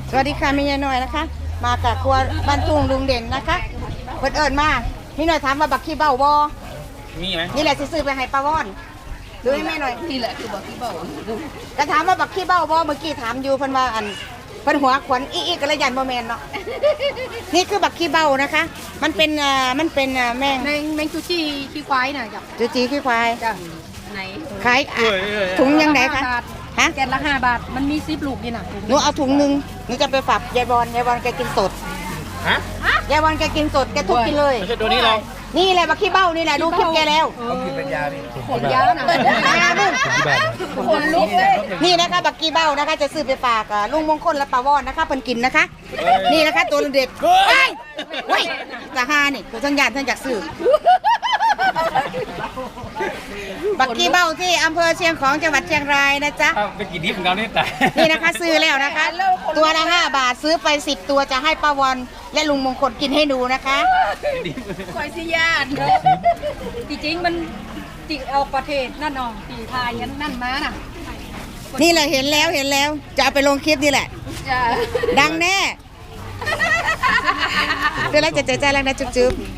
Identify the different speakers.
Speaker 1: สวัสดีค่ะแม่ยายน้อยนะคะ มากับครัวบ้านทุ่งลุงเด่นนะคะเปิดเอิญมาพี่หน่อยถามว่าบักขี้เบ้าบอ
Speaker 2: มีไหม
Speaker 1: นี่แหละสิซื้อไปให้ป้าวอนดูให้แม่หน่อย
Speaker 3: นี่แหละคือบอกที่บอก
Speaker 1: ก็ถามว่าบักขี้เบ้าบอเมื่อกี้ถามอยู่เพิ่นว่าอันเพิ่นหัวขวัญอีกระยันบ่แม่นเนาะนี่คือบักขี้เบ้านะคะ มันเป็นแมง
Speaker 3: แมงจูจี้ขี้ควายน่ะจ้ะ
Speaker 1: จูจีขี้ควาย
Speaker 3: จ้ะไหน
Speaker 1: ขายถุงยังไงคะ
Speaker 3: 5 บาท
Speaker 1: ฮะ
Speaker 3: แกนละ5 บาทมันมี10 ลูกนี่น่ะ
Speaker 1: หนูเอาถุงนึงหนูจะไปฝากยายบอลแกกินสด
Speaker 2: ฮะ
Speaker 1: ยายบอลแกกินสดแกทุบกินเลย
Speaker 2: ไม่ใช่ตัวนี้หรอก
Speaker 1: นี่แหละบักขี้เบ้านี่แหละดูคลิปแกแล้ว
Speaker 2: ต้องกินเป็นยาดิ
Speaker 3: ขนยาน่ะ
Speaker 2: คนลุกเลย
Speaker 1: นี่นะคะบักกี้เบ้านะคะจะซื้อไปฝากลุงมงคลและป้าวอนนะคะเพิ่นกินนะคะ นี่นะคะตัวเด็ดเฮ้ยเฮ้ยตาฮานี่ตัวทั้งญาติทั้งอยากซื้อบักกี้เบ้าที่อำเภอเชียงของจังหวัดเชียงรายนะจ๊ะ
Speaker 2: ไปกินดิบของเราเนี่ยแต่
Speaker 1: นี่นะคะซื้อแล้วนะคะ ตัวละ5 บาทซื้อไป10 ตัวจะให้ป้าวอนและลุงมงคลกินให้ดูนะคะ
Speaker 3: ควายสิญาติจริงๆมันติเอาประเทศนั่นน้องตีทายกันนั่นมาน่ะ
Speaker 1: นี่แหละเห็นแล้วจะเอาไปลงคลิปนี่แหละ
Speaker 3: จ้ะ
Speaker 1: ดังแน่คือแล้วจะใจแรงนะจุ๊บ